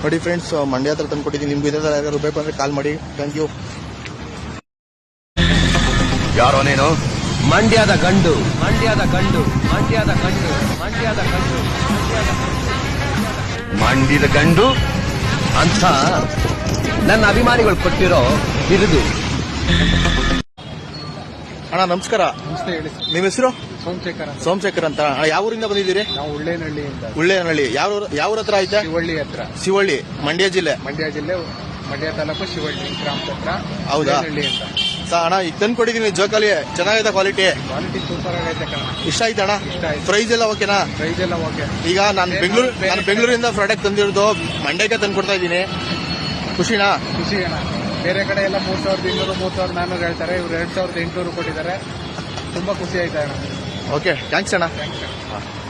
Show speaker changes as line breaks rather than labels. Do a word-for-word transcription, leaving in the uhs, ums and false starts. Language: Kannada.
ನೋಡಿ ಫ್ರೆಂಡ್ಸ್, ಮಂಡ್ಯ ಹತ್ರ ತಂದು ಕೊಟ್ಟಿದ್ದೀನಿ. ನಿಮ್ಗೆ ಇದೇ ಥರ ಯಾರು ಬೇಕು ಅಂದರೆ ಕಾಲ್ ಮಾಡಿ. Thank you.
ಯಾರೋ ನೀನು?
ಮಂಡ್ಯದ ಗಂಡು, ಮಂಡ್ಯದ ಗಂಡು, ಮಂಡ್ಯದ ಗಂಡು, ಮಂಡ್ಯದ ಗಂಡು,
ಮಂಡ್ಯದ ಗಂಡು
ಅಂತ ನನ್ನ ಅಭಿಮಾನಿಗಳು ಕೊಟ್ಟಿರೋ ಬಿರುದು.
ಅಣ್ಣ ನಮಸ್ಕಾರ.
ನಮಸ್ತೆ, ಹೇಳಿ.
ನಿಮ್ಮ ಹೆಸರು?
ಸೋಮಶೇಖರ್ ಅಂತ.
ಸೋಮಶೇಖರ್ ಅಂತ. ಅಣ್ಣ ಯಾವ ಊರಿಂದ ಬಂದಿದ್ದೀರಿ?
ನಾವು ಉಳ್ಳೇನಹಳ್ಳಿಯಿಂದ.
ಉಳ್ಳೇನಹಳ್ಳಿ. ಯಾವ ಯಾವ ಹತ್ರ ಆಯ್ತಾ?
ಶಿವಳ್ಳಿ ಹತ್ರ.
ಶಿವಳ್ಳಿ, ಮಂಡ್ಯ ಜಿಲ್ಲೆ.
ಮಂಡ್ಯ ಜಿಲ್ಲೆ, ಮಂಡ್ಯ ತಾಲೂಕು, ಶಿವಳ್ಳಿ ಗ್ರಾಮದ ಹತ್ರ.
ಹೌದಾ?
ಉಳ್ಳೇನಹಳ್ಳಿ ಅಂತ.
ಸಾ ಅಣ್ಣ ಈಗ ತಂದು ಕೊಟ್ಟಿದ್ದೀನಿ ಜೋಕಾಲಿ. ಚೆನ್ನಾಗಿದೆ ಕ್ವಾಲಿಟಿ.
ಕ್ವಾಲಿಟಿ ಸೂಪರ್ ಆಗೈತೆ ಕಣ.
ಇಷ್ಟ ಆಯ್ತಾ ಅಣ್ಣ?
ಇಷ್ಟ ಆಯ್ತು.
ಪ್ರೈಸ್ ಎಲ್ಲ ಓಕೆನಾ?
ಪ್ರೈಸ್ ಎಲ್ಲ ಓಕೆ.
ಈಗ ನಾನು ಬೆಂಗಳೂರು ನಾನು ಬೆಂಗಳೂರಿಂದ ಪ್ರಾಡಕ್ಟ್ ತಂದಿರೋದು ಮಂಡ್ಯಕ್ಕೆ ತಂದು ಕೊಡ್ತಾ ಇದ್ದೀನಿ. ಖುಷಿನಾ?
ಖುಷಿ ಅಣ್ಣ. ಬೇರೆ ಕಡೆ ಎಲ್ಲ ಮೂರ್ ಸಾವಿರದ ಇನ್ನೂರು ಮೂರ್ ಸಾವಿರದ ನಾನ್ನೂರು ಹೇಳ್ತಾರೆ, ಇವ್ರು ಎರಡ್ ಸಾವಿರದ ಎಂಟುನೂರು ಕೊಟ್ಟಿದ್ದಾರೆ. ತುಂಬಾ ಖುಷಿ ಆಯ್ತಾ ಅಣ್ಣ.
ಓಕೆ, ಥ್ಯಾಂಕ್ಸ್ ಅಣ್ಣ.
ಥ್ಯಾಂಕ್ಸ್.